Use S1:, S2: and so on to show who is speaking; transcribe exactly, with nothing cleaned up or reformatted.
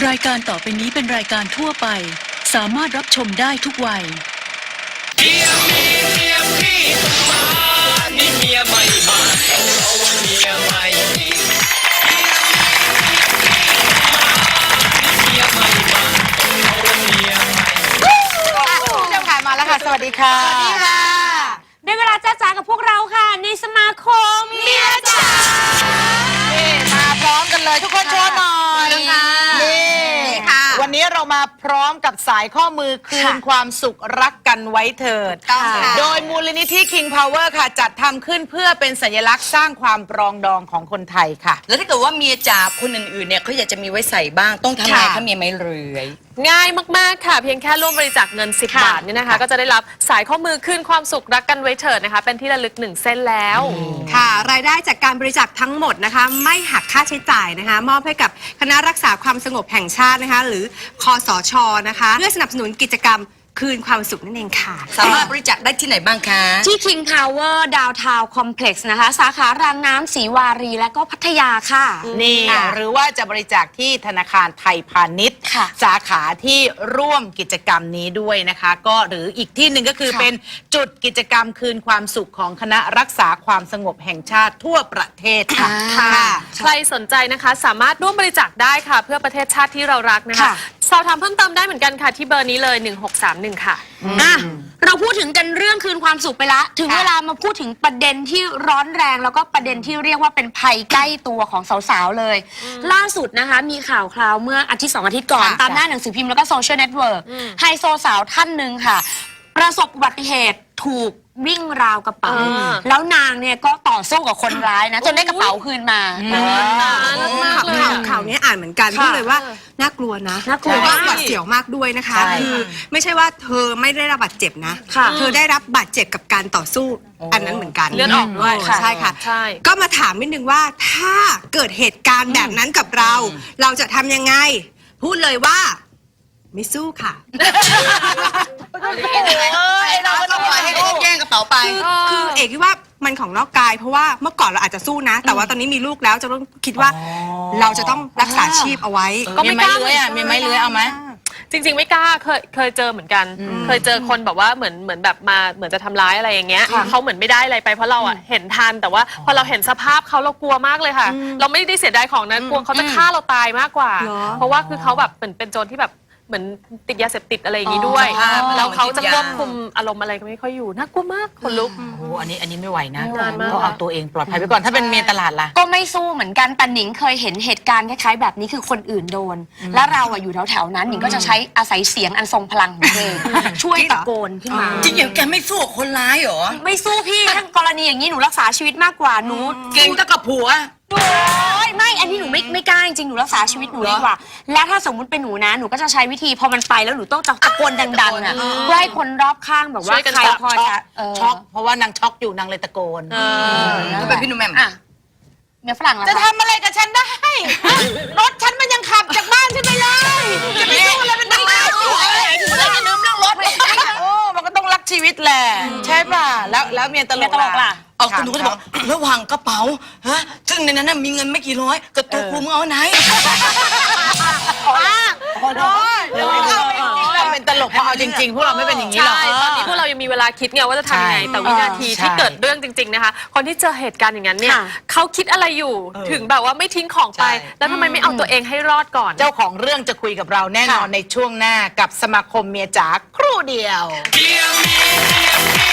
S1: รายการต่อไปนี้เป็นรายการทั่วไปสามารถรับชมได้ทุกวัย
S2: เมียมีเมียพี่ต้องมานี่เมียใหม่มาเพราะว่าเมียใหม่มีเมียมีเมียใหม่มาเพราะว่าเมียใหม่
S3: คุณผู้ชมค่ะมาแล้วค่ะสวัสดีค่ะสวัสดีค่ะ
S4: ได้เวลาจ้าจ๋ากับพวกเราค่ะในสมาคมเมียจ๋า
S3: มาพร้อมกันเลยทุกคนโชว์หน่อยนี่ค่ะวันนี้เรามาพร้อมกับสายข้อมือคืนความสุขรักกันไว้เถิดโดยมูลนิธิ King Power ค่ะจัดทำขึ้นเพื่อเป็นสัญลักษณ์สร้างความปรองดองของคนไทยค่ะ
S5: แล้วถ้าเกิดว่าเมียจ๋าคนอื่นๆเนี่ยเขาอยากจะมีไว้ใส่บ้างต้องทำไงคะเมียไม่เรือย
S6: ง่ายมากๆค่ะเพียงแค่ร่วมบริจาคเงินสิบบาทเนี่ยนะคะก็จะได้รับสายข้อมือคืนความสุขรักกันไว้เถิดนะคะเป็นที่ระลึกหนึ่งเส้นแล้ว
S7: ค่ะรายได้จากการบริจาคทั้งหมดนะคะไม่หักค่าใช้จ่ายนะคะมอบให้กับคณะรักษาความสงบแห่งชาตินะคะหรือคสช.นะคะเพื่อสนับสนุนกิจกรรมคืนความสุขนั่นเองค่ะ
S5: สามารถบริจาคได้ที่ไหนบ้างคะ
S4: ที่ King Power Downtown Complex นะคะสาขารางน้ำศรีวารีและก็พัทยาค่ะ
S3: นี่หรือว่าจะบริจาคที่ธนาคารไทยพาณิชย์สาขาที่ร่วมกิจกรรมนี้ด้วยนะคะก็หรืออีกที่หนึ่งก็คือเป็นจุดกิจกรรมคืนความสุขของคณะรักษาความสงบแห่งชาติทั่วประเทศค่ะ
S6: ใครสนใจนะคะสามารถร่วมบริจาคได้ค่ะเพื่อประเทศชาติที่เรารักนะคะสอบถามเพิ่มเติมได้เหมือนกันค่ะที่เบอร์นี้เลยหนึ่งหกสามหนึ่งค่ะ
S4: อ่ะเราพูดถึงกันเรื่องคืนความสุขไปละถึงเวลามาพูดถึงประเด็นที่ร้อนแรงแล้วก็ประเด็นที่เรียกว่าเป็นภัยใกล้ตัวของสาวๆเลยล่าสุดนะคะมีข่าวคราวเมื่ออาทิตย์สองอาทิตย์ก่อนตามหน้าหนังสือพิมพ์แล้วก็โซเชียลเน็ตเวิร์กไฮโซสาวท่านหนึ่งค่ะประสบอุบัติเหตุถูกวิ่งราวกระเป๋าแล้วนางเนี่ยก็ต่อสู้กับคนร้ายนะจนได้กระเป๋าคืนมา
S7: ข่าวข่าวนี้อ่านเหมือนกันพูดเลยว่าน่ากลัวนะน่ากลัวหวาดเสียวมากด้วยนะคะคือไม่ใช่ว่าเธอไม่ได้รับบาดเจ็บนะเธอได้รับบาดเจ็บกับการต่อสู้อันนั้นเหมือนกัน
S6: เลือดออกด้วย
S7: ใช่ค่ะก็มาถามนิดนึงว่าถ้าเกิดเหตุการณ์แบบนั้นกับเราเราจะทำยังไงพูดเลยว่าไม่สู้ค่ะ
S5: เราก็ต้องปล่อยให้เขาแย่งกระเป๋าไป
S7: คือเอกคิดว่ามันของนอกกายเพราะว่าเมื่อก่อนเราอาจจะสู้นะแต่ว่าตอนนี้มีลูกแล้วจะต้องคิดว่าเราจะต้องรักษาชีพเอาไว้
S3: ก็ไม่กล้าเลยอ่ะมีไม้เลื้อยเอาไหม
S6: จริงๆไม่กล้าเคยเคยเจอเหมือนกันเคยเจอคนแบบว่าเหมือนเหมือนแบบมาเหมือนจะทำร้ายอะไรอย่างเงี้ยเขาเหมือนไม่ได้อะไรไปเพราะเราอ่ะเห็นทันแต่ว่าพอเราเห็นสภาพเขาเรากลัวมากเลยค่ะเราไม่ได้เสียดายของนะกลัวเขาจะฆ่าเราตายมากกว่าเพราะว่าคือเขาแบบเหมือนเป็นโจรที่แบบเหมือนติดยาเสพติดอะไรอย่างนี้ด้วยแล้วเขาจะควบคุมอารมณ์อะไรก็ไม่ค่อยอยู่น่ากลัวมากคนลุก
S3: โอ้โหอันนี้อันนี้ไม่ไหวนะต้องเอาตัวเองปลอดภัยไปก่อนถ้าเป็นเมียตลาดล่ะ
S4: ก็ไม่สู้เหมือนกันแต่หนิงเคยเห็นเหตุการณ์คล้ายๆแบบนี้คือคนอื่นโดนแล้วเราอะอยู่แถวๆนั้นหนิงก็จะใช้อาศัยเสียงอันทรงพลังของตัวเองช่วยตะโกนขึ้นมา
S5: จริงอย่างแกไม่สู้คนร้ายเหรอ
S4: ไม่สู้พี่ทั้งกรณีอย่างนี้หนูรักษาชีวิตมากกว่าหนู
S5: เก่งตั้งกับผัว
S4: โอ้ยไม่อันนี้หนูไม่ไม่กล้าจริงๆหนูรักษาชีวิตหนูดีกว่าแล้วถ้าสมมุติเป็นหนูนะหนูก็จะใช้วิธีพอมันไปแล้วหนูต้องตะโกนดังๆอ่ะเพื่อให้คนรอบข้างแบบว่าใครพอจะ
S3: ช็อกเพราะว่านางช็อกอยู่นางเลยตะโกน
S5: ก็เป็นพี่หนุ่มแม่
S4: อ่ะเมียฝรั่ง
S3: จะทำอะไรกับฉันได้รถฉันมันยังขับจากบ้านฉันไปเลยจะไปสู้อะไรเป็นนักเลงถึงเราจะลืมเรื่องรถโอ้มันก็ต้องรักชีวิตแหละใช่ป่ะแล้วแล้วเมียตลกล่ะ
S5: เอาคุณหนูก็จะบอกระหว่างกระเป๋าฮะซึ่งในนั้นมีเงินไม่กี่ร้อยกับตัวกูมึงเอาไหน
S3: พอดเราเป็นตลกเพราะเอาจริงๆพวกเราไม่เป็นอย่างนี้หรอก
S6: ตอนนี้พวกเรายังมีเวลาคิดไงว่าจะทำยังไงแต่วินาทีที่เกิดเรื่องจริงๆนะคะคนที่เจอเหตุการณ์อย่างนั้นเนี่ยเขาคิดอะไรอยู่ถึงแบบว่าไม่ทิ้งของไปแล้วทำไมไม่เอาตัวเองให้รอดก่อน
S3: เจ้าของเรื่องจะคุยกับเราแน่นอนในช่วงหน้ากับสมาคมเมียจ๋าครู่เดียว